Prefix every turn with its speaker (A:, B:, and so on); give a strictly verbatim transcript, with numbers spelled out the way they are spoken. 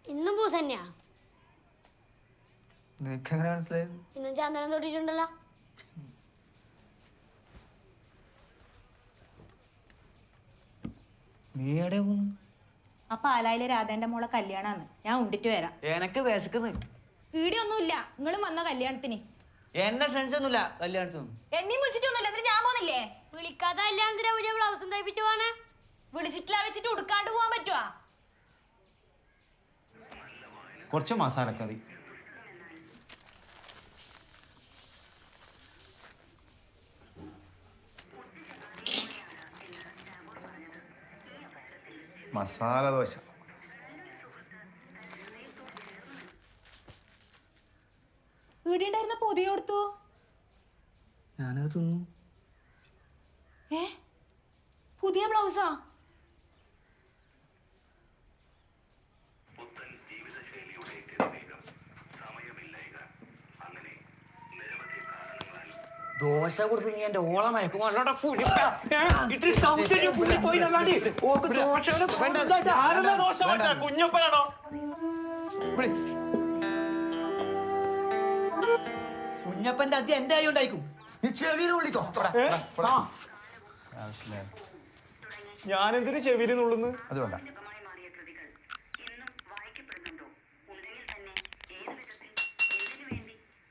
A: ഇന്നും പൂസ തന്നെയാ.
B: നിനക്ക് എങ്ങനെ മനസ്സിലായത്?
A: ഇന്നും ചാന്ദനം തൊട്ടിട്ടുണ്ടല്ലോ.
B: നീ എവിടെ പോന്നു?
C: ആ പാലായിലെ രാധേന്റെ മോളെ കല്യാണാന്ന്. ഞാൻ ഉണ്ടിട്ട് വരാം.
B: എനക്ക് വിശക്കുന്നു.
C: വീടിയൊന്നുമില്ല, നിങ്ങളും വന്ന കല്യാണത്തിന്.
B: എന്നെ ഫ്രണ്ട്സ് ഒന്നുമില്ല കല്യാണത്തിനൊന്നും.
C: എന്നെയും വിളിച്ചിട്ടൊന്നുമില്ല, എന്നിട്ട് ഞാൻ പോന്നില്ലേ?
A: വിളിക്കാത്ത കല്യാണത്തിന് പുതിയ ബ്ലൗസും തയ്പ്പിച്ചു പോണേ.
C: വിളിച്ചിട്ടില്ല വെച്ചിട്ട് ഉടുക്കാണ്ട് പോവാൻ പറ്റുവാ?
D: കുറച്ച് മസാലക്കറി.
E: മസാല ദോശ.
C: വീടിണ്ടായിരുന്ന പൊതി കൊടുത്തു.
B: ഞാനത് തിന്നു.
C: ഏ പുതിയ ബ്ലൗസാ?
B: ദോശ കൊടുത്ത് നീ എന്റെ ഓള മയക്കും.
D: കുഞ്ഞപ്പനാണോ?
B: കുഞ്ഞപ്പന്റെ അതി എന്റെ ആയി ഉണ്ടായിക്കും.
E: നീ ചെവിയിൽ വിളിക്കോ.
D: ഞാൻ എന്തിനു ചെവിയിൽ നുള്ളുന്നു?
E: അത് വേണ്ട.